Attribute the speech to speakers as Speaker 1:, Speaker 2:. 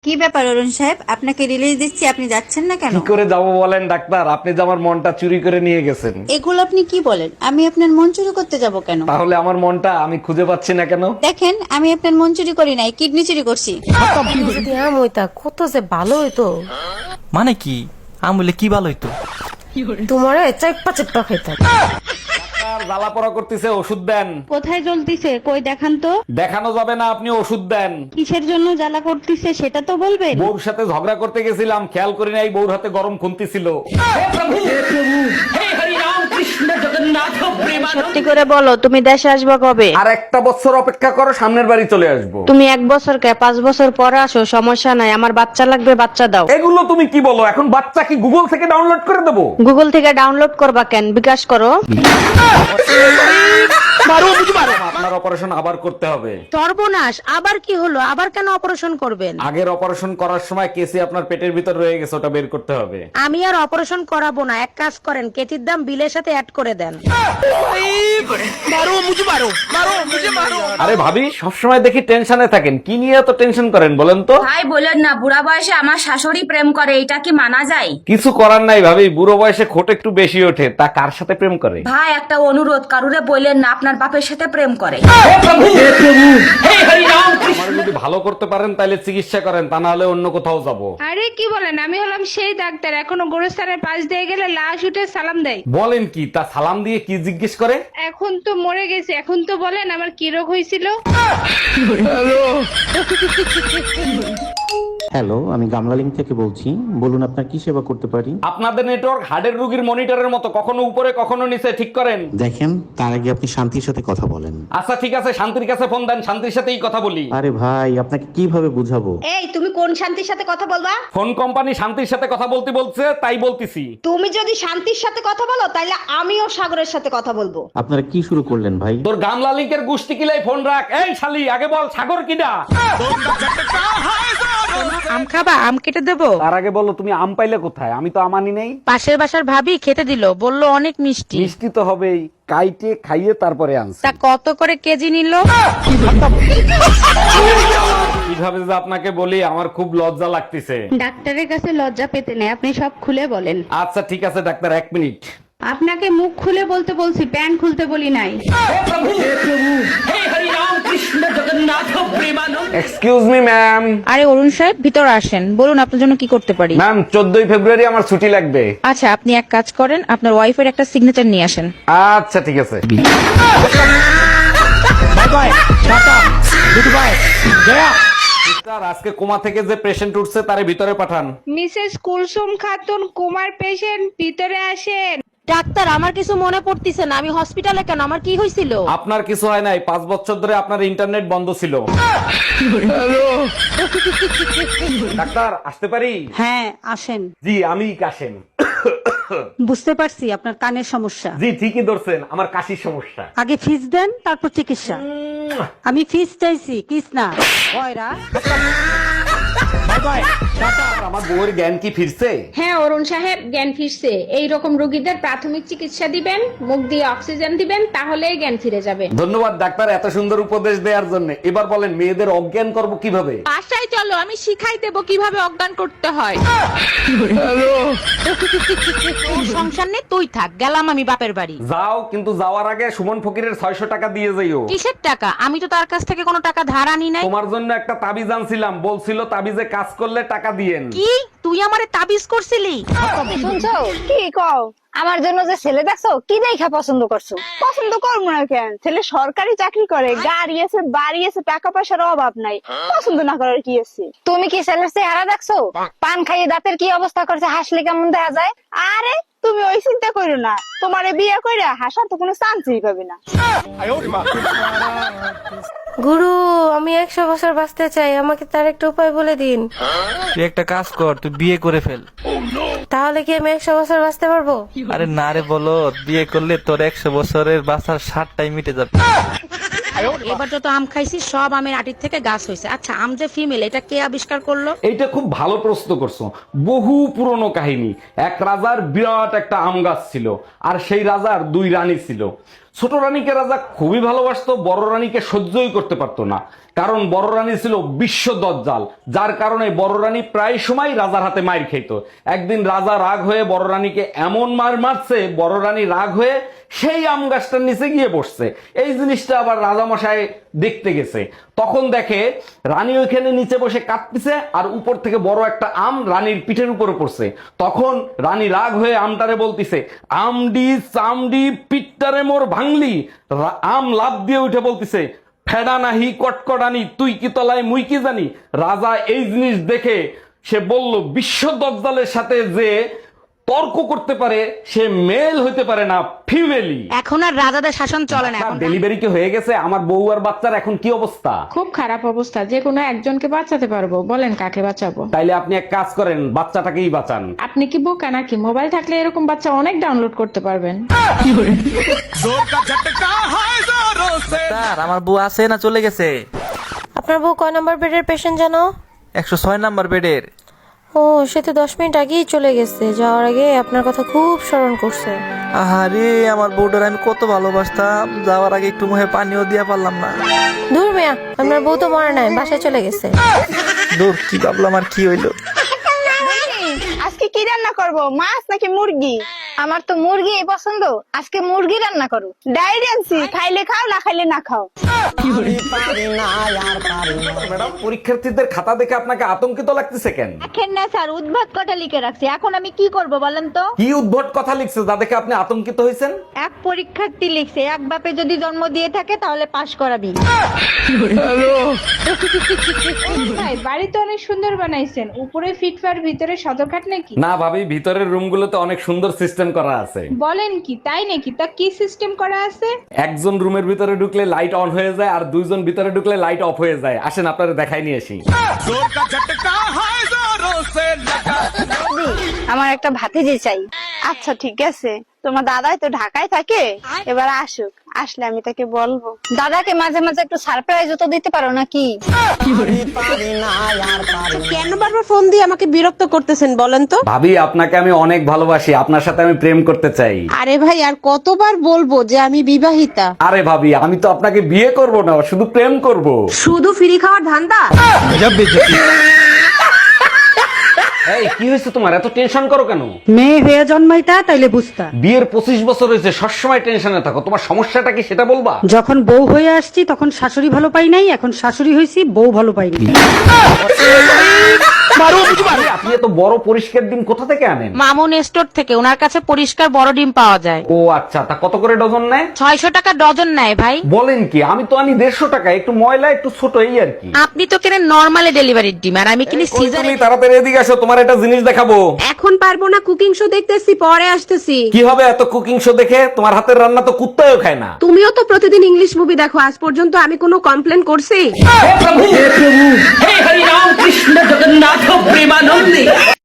Speaker 1: কি ব্যাপার অরুণ সাহেব, আপনাকে রিলিজ দিচ্ছি, আপনি যাচ্ছেন না কেন?
Speaker 2: কি করে যাব বলেন ডাক্তার? আপনি যে আমার মনটা চুরি করে নিয়ে গেছেন।
Speaker 1: এগুলো আপনি কি বলেন? আমি আপনার মন চুরি করতে যাব কেন?
Speaker 2: তাহলে আমার মনটা আমি খুঁজে পাচ্ছি না কেন?
Speaker 1: দেখেন, আমি আপনার মন চুরি করি নাই, কিডনি চুরি করছি।
Speaker 3: যদি আম হইতা কত যে ভালো হইতো।
Speaker 4: মানে কি আম বলে কি ভালো হইতো?
Speaker 3: তোমারে চেপ্পা চেপ্পা খাইতাম।
Speaker 2: ডাক্তার জ্বালা পড়া করতেছে, ওষুধ দেন।
Speaker 5: কোথায় জ্বলতিছে কই দেখান তো।
Speaker 2: দেখানো যাবে না, আপনি ওষুধ দেন।
Speaker 5: কিসের জন্য জ্বালা করতিছে সেটা তো বলবেন।
Speaker 2: বউর সাথে ঝগড়া করতে গেছিলাম, খেয়াল করি নাই বউর হাতে গরম খুন্তি ছিল।
Speaker 5: সত্যি করে বলো, তুমি দেশে আসবে কবে?
Speaker 2: আর একটা বছর অপেক্ষা করো, সামনের বাড়ি চলে আসবো।
Speaker 5: তুমি 1 বছর কে 5 বছর পরে আসো, সমস্যা নাই। আমার বাচ্চা লাগবে, বাচ্চা দাও।
Speaker 2: এগুলো তুমি কি বলো? এখন বাচ্চা কি গুগল থেকে ডাউনলোড করে দেবো?
Speaker 5: গুগল থেকে ডাউনলোড করবা কেন, বিকাশ করো।
Speaker 2: আপনার অপারেশন আবার করতে হবে।
Speaker 3: সর্বনাশ, আবার কি হলো? আবার কেন অপারেশন করবেন?
Speaker 2: আগের অপারেশন করার সময় কেসি আপনার পেটের ভিতর রয়ে গেছে, ওটা বের করতে হবে।
Speaker 3: আমি আর অপারেশন করাবো না, এক কাজ করেন, কেটির দাম বিলের সাথে অ্যাড করে দেন।
Speaker 2: আরে ভাবি, সবসময় দেখি টেনশনে থাকেন, কি নিয়ে এত টেনশন করেন বলেন তো?
Speaker 6: ভাই বলেন না, বুড়া বয়সে আমার শাশুড়ি প্রেম করে, এটা কি মানা যায়?
Speaker 2: কিছু করার নাই ভাবি, বুড়ো বয়সে খোট একটু বেশি ওঠে। তা কার সাথে প্রেম করে?
Speaker 6: ভাই একটা অনুরোধ, কারুরে বললেন না আপনার বাপের সাথে প্রেম করে।
Speaker 2: আমার যদি ভালো করতে পারেন তাহলে চিকিৎসা করেন, তা না হলে অন্য কোথাও যাব।
Speaker 7: আরে কি বলেন, আমি হলাম সেই ডাক্তার, এখনো গোরস্থানের পাশ দিয়ে গেলে লাশ উঠে সালাম দেয়।
Speaker 2: বলেন কি? তা সালাম দিয়ে কি জিজ্ঞেস করে?
Speaker 7: এখন তো মরে গেছে, এখন তো বলেন আমার কি রোগ হয়েছিল।
Speaker 8: হ্যালো, আমি গামলালিং থেকে বলছি। বলুন আপনার কি সেবা করতে পারি?
Speaker 2: আপনাদের নেটওয়ার্ক হার্টের রোগীর মনিটরের মতো, কখনো উপরে কখনো নিচে, ঠিক করেন।
Speaker 8: দেখেন, তার আগে আপনি শান্তির সাথে কথা বলেন।
Speaker 2: আচ্ছা ঠিক আছে, শান্তির কাছে ফোন দেন, শান্তির সাথেই কথা বলি।
Speaker 8: আরে ভাই, আপনাকে কিভাবে বুঝাবো?
Speaker 9: এই, তুমি কোন শান্তির সাথে কথা বলবা?
Speaker 2: ফোন কোম্পানি শান্তির সাথে কথা বলতে বলছে, তাই বলতেছি।
Speaker 9: তুমি যদি শান্তির সাথে কথা বলো তাহলে আমিও সাগরের সাথে কথা বলবো।
Speaker 8: আপনারা কি শুরু করলেন ভাই?
Speaker 2: তোর গামলা লিঙ্কের গুষ্টি কিলাই ফোন রাখ। এই শালি, আগে বল সাগর কিডা?
Speaker 3: আম খাবা? আম কেটে দেবো?
Speaker 2: তার আগে বলো তুমি আম পাইলে কোথায়? আমি তো আমানি নেই।
Speaker 3: পাশের বাসার ভাবি খেতে দিল, বললো অনেক মিষ্টি।
Speaker 2: মিষ্টি তো হবেই, কাইটে খাইয়ে তারপরে আনছি।
Speaker 3: তা কত করে কেজি নিল?
Speaker 2: কিভাবে যে আপনাকে বলি, আমার খুব লজ্জা লাগতেছে।
Speaker 5: ডাক্তারের কাছে লজ্জা পেতে নেই, আপনি সব খুলে বলেন।
Speaker 2: আচ্ছা ঠিক আছে ডাক্তার, 1 মিনিট।
Speaker 7: আপনাকে মুখ খুলে বলতে বলছি, প্যান্ট খুলতে বলি নাই।
Speaker 2: Excuse me ma'am.
Speaker 3: আরে অরুণ সাহেব, ভিতরে আসেন, বলুন আপনার জন্য কি করতে পারি।
Speaker 2: ম্যাম 14ই ফেব্রুয়ারি আমার ছুটি লাগবে।
Speaker 3: আচ্ছা, আপনি এক কাজ করেন, আপনার ওয়াইফের একটা সিগনেচার নিয়ে আসেন।
Speaker 2: আচ্ছা ঠিক আছে। সিস্টার, আজকে কোমা থেকে যে পেশেন্ট উঠছে তারে ভিতরে পাঠান।
Speaker 7: মিসেস কুলসুম খাতুন কুমার পেশেন্ট, ভিতরে আসেন।
Speaker 3: ডাক্তার, আমার কিছু মনে পড়তিছে না, আমি হসপিটালে কেন? আমার কি হয়েছিল?
Speaker 2: আপনার কিছু হয় নাই, 5 বছর ধরে আপনার ইন্টারনেট বন্ধ ছিল। ডাক্তার আসতে পারি?
Speaker 10: হ্যাঁ, আসেন।
Speaker 2: জি আমি কাশেম।
Speaker 10: বুঝতে পারছি আপনার কানের সমস্যা।
Speaker 2: জি ঠিকই ধরছেন, আমার কাশির সমস্যা।
Speaker 10: আগে ফিস দেন, তারপর চিকিৎসা। আমি ফিস চাইছি, কিস না। ভয়রা।
Speaker 2: আমার বউয়ের জ্ঞান কি ফিরছে?
Speaker 7: হ্যাঁ অরুণ সাহেব, জ্ঞান ফিরছে। এই রকম রোগীদের প্রাথমিক চিকিৎসা দিবেন, মুখ দিয়ে অক্সিজেন দিবেন, তাহলেই জ্ঞান ফিরে যাবে।
Speaker 2: ধন্যবাদ ডাক্তার এত সুন্দর উপদেশ দেওয়ার জন্য। এবার বলেন মেয়েদের অজ্ঞান করব কিভাবে?
Speaker 3: বাসায় চলো, আমি শিখাই দেবো কিভাবে অজ্ঞান করতে হয়। তোর সংসার নেই, তুই থাক, গেলাম আমি বাপের বাড়ি।
Speaker 2: যাও, কিন্তু যাওয়ার আগে সুমন ফকিরের 600 টাকা দিয়ে যাইও।
Speaker 3: কিসের টাকা? আমি তো তার কাছ থেকে কোনো টাকা ধার আনি নাই।
Speaker 2: তোমার জন্য একটা তাবিজ আনছিলাম, বলছিল তাবিজে কাজ করলে টাকা দিয়েন।
Speaker 3: কি তুই আমারে তাবিজ করছিলি?
Speaker 9: শুনছো কি কও? আমার জন্য যে ছেলে দেখছো, কি দেখা পছন্দ করছো? পছন্দ করবো না কেন? ছেলে সরকারি চাকরি করে, গাড়ি আছে, বাড়ি আছে, টাকা পয়সার অভাব নাই। পছন্দ না করার কি আছে? তুমি কি ছেলের চেহারা দেখছো? পান খাইয়ে দাঁতের কি অবস্থা করছে, হাসলে কেমন দেখা যায়? আরে তুমি ওই চিন্তা করো না, তোমারে বিয়ে কইরা হাসার তো কোনো চান্সই পাবে না।
Speaker 3: গুরু, আমি 100 বছর বাঁচতে চাই, আমাকে তার একটা উপায় বলে দিন।
Speaker 4: তুই একটা কাজ কর, তুই বিয়ে করে ফেল।
Speaker 3: তাহলে কি আমি 100 বছর বাঁচতে পারবো?
Speaker 4: আরে না রে, বলো বিয়ে করলে তোর 100 বছরের বাঁচার 60টাই মিটে যাবে।
Speaker 3: এবার যত আম খাইছি সব আমের আটির থেকে গাছ হয়েছে। আচ্ছা, আম যে ফিমেল, এটা কে আবিষ্কার করলো?
Speaker 2: এইটা খুব ভালো প্রশ্ন করছো। বহু পুরনো কাহিনী। এক রাজার বিরাট একটা আম গাছ ছিল, আর সেই রাজার 2 রানী ছিল। ছোট রানীকে রাজা খুবই ভালোবাসতো, বড় রানীকে সহ্যই করতে পারতো না। কারণ বড় রানী ছিল বিশ্ব দজ্জাল, যার কারণে বড় রানী প্রায় সময় রাজার হাতে মাইর খেত। একদিন রাজা রাগ হয়ে বড় রানীকে এমন মার মারছে, বড় রানী রাগ হয়ে সেই আম গাছটার নিচে গিয়ে বসছে। এই জিনিসটা আবার রাজামশাই দেখতে গেছে, তখন দেখে রানী ওইখানে নিচে বসে কাঁদতেছে আর উপর থেকে বড় একটা আম রানীর পিঠের উপরে পড়ছে। তখন রানী রাগ হয়ে আমটারে বলতিছে, আমডি চামডি পিঠটারে মোর ভাঙলি। আম লাফ দিয়ে উঠে বলতিছে, ফেডা নাহি কটকটানি, তুই কি তলায় মুই কি জানি। রাজা এই জিনিস দেখে সে বলল, বিশ্ব দজ্জালের সাথে যে তর্ক করতে পারে সে মেল হইতে পারে না, ফিমেলি।
Speaker 3: এখন আর রাজাদের শাসন চলে না, এখন
Speaker 2: ডেলিভারি কি হয়ে গেছে? আমার বউ আর বাচ্চার এখন কি অবস্থা?
Speaker 7: খুব খারাপ অবস্থা, যে কোনো একজনকে বাঁচাতে পারবো, বলেন কাকে বাঁচাবো?
Speaker 2: তাইলে আপনি এক কাজ করেন, বাচ্চাটাকেই বাঁচান।
Speaker 7: আপনি কি বোকা নাকি? মোবাইল থাকলে এরকম বাচ্চা অনেক ডাউনলোড করতে পারবেন।
Speaker 4: স্যার, আমার বউ আছে না চলে গেছে?
Speaker 5: আপনার বউ কয় নাম্বার বেডের পেশেন্ট জানো?
Speaker 4: 106 নাম্বার বেডের।
Speaker 5: ও, সে তো 10 মিনিট আগেই চলে গেছে। যাওয়ার আগে আপনার কথা খুব স্মরণ করছে।
Speaker 4: আহারে, আমার বউটার আমি কত ভালোবাসতাম, যাওয়ার আগে একটু মুখে পানিও দিয়া পারলাম না।
Speaker 5: দূর মিয়া, আপনার বউ তো মরে নাই, বাসায় চলে গেছে।
Speaker 4: দূর, কি ভাবলাম আর কি হইলো।
Speaker 9: আজকে কি রান্না করব, মাছ নাকি মুরগি? আমার তো মুরগি পছন্দ, আজকে মুরগি রান্না করো। ডায়েরি আনছি, খাইলে খাও, না খাইলে না খাও।
Speaker 2: ম্যাডাম, পরীক্ষার্থীদের খাতা দেখে আপনাকে আতঙ্কিত লাগতেছে কেন?
Speaker 1: দেখেন না স্যার, উদ্ভাত কটা লিখে রাখছি, এখন আমি কি করব বলেন তো?
Speaker 2: কি উদ্ভট কথা লিখছে যা দেখে আপনি আতঙ্কিত হয়েছেন?
Speaker 1: এক পরীক্ষার্থী লিখছে, এক বাপে যদি জন্ম দিয়ে থাকে তাহলে পাশ করাবি।
Speaker 7: ভাই, বাড়ি তো অনেক সুন্দর বানাইছেন, উপরে ফিটফার, ভিতরে সদরঘাট নাকি?
Speaker 2: না ভাবি, ভিতরের রুমগুলোতে অনেক সুন্দর সিস্টেম করা আছে।
Speaker 7: বলেন কি, তাই নাকি? তা কি সিস্টেম করা আছে?
Speaker 2: একজন রুমের ভিতরে ঢুকলে লাইট অন হয়ে যায় আর দুইজন ভিতরে ঢুকলে লাইট অফ হয়ে যায়। আসেন আপনারা দেখাই নিয়ে আসি।
Speaker 9: আমার একটা ভাতিজি চাই। আচ্ছা ঠিক আছে, তোমার দাদাই তো ঢাকায় থাকে, এবার আসুক, আসলে আমি তাকে বলবো। দাদাকে মাঝে মাঝে একটু সারপ্রাইজও তো দিতে পারো নাকি?
Speaker 10: কেন বারবার ফোন দিয়ে আমাকে বিরক্ত করতেছেন বলেন তো?
Speaker 2: ভাবি, আপনাকে আমি অনেক ভালোবাসি, আপনার সাথে আমি প্রেম করতে চাই।
Speaker 10: আরে ভাই, আর কতবার বলবো যে আমি বিবাহিতা?
Speaker 2: আরে ভাবি, আমি তো আপনাকে বিয়ে করব না, শুধু প্রেম করব।
Speaker 10: শুধু ফ্রি খাওয়ার ধান্দা?
Speaker 2: এই, কি হয়েছে তোমার? এত টেনশন করো কেন?
Speaker 10: মেয়ে হয়ে জন্মাইতা তাইলে বুঝতা।
Speaker 2: বিয়ের 25 বছর হয়েছে, সবসময় টেনশনে থাকো, তোমার সমস্যাটা কি সেটা বলবা?
Speaker 10: যখন বউ হয়ে আসছি তখন শাশুড়ি ভালো পাই নাই, এখন শাশুড়ি হয়েছি বউ ভালো পাইনি।
Speaker 2: আপনি এত বড় পরিষ্কার ডিম কোথা থেকে আনেন?
Speaker 3: মামুন স্টোর থেকে, ওনার কাছে পরিষ্কার বড় ডিম পাওয়া যায়।
Speaker 2: ও আচ্ছা, তা কত করে ডজন নেয়?
Speaker 3: 600 টাকা ডজন নেয় ভাই।
Speaker 2: বলেন কি? আমি তো আনি 150 টাকা, একটু ময়লা একটু ছোট, এই আর কি।
Speaker 3: আপনি তো কেনেন নরমালি ডেলিভারির ডিম, আর আমি কিনি সিজার।
Speaker 2: তুমি তাড়াতাড়ি এদিকে আসো, তোমার একটা জিনিস দেখাবো।
Speaker 10: এখন পারবো না, কুকিং শো দেখতেছি, পরে আসতেছি।
Speaker 2: কি হবে এত কুকিং শো দেখে? তোমার হাতের রান্না তো কুত্তাও খায় না।
Speaker 10: তুমিও তো প্রতিদিন ইংলিশ মুভি দেখো, আজ পর্যন্ত আমি কোনো কমপ্লেন করছি?
Speaker 2: হে প্রভু, হে হরি রাম কৃষ্ণ জগন্নাথ প্রেমানন্দে।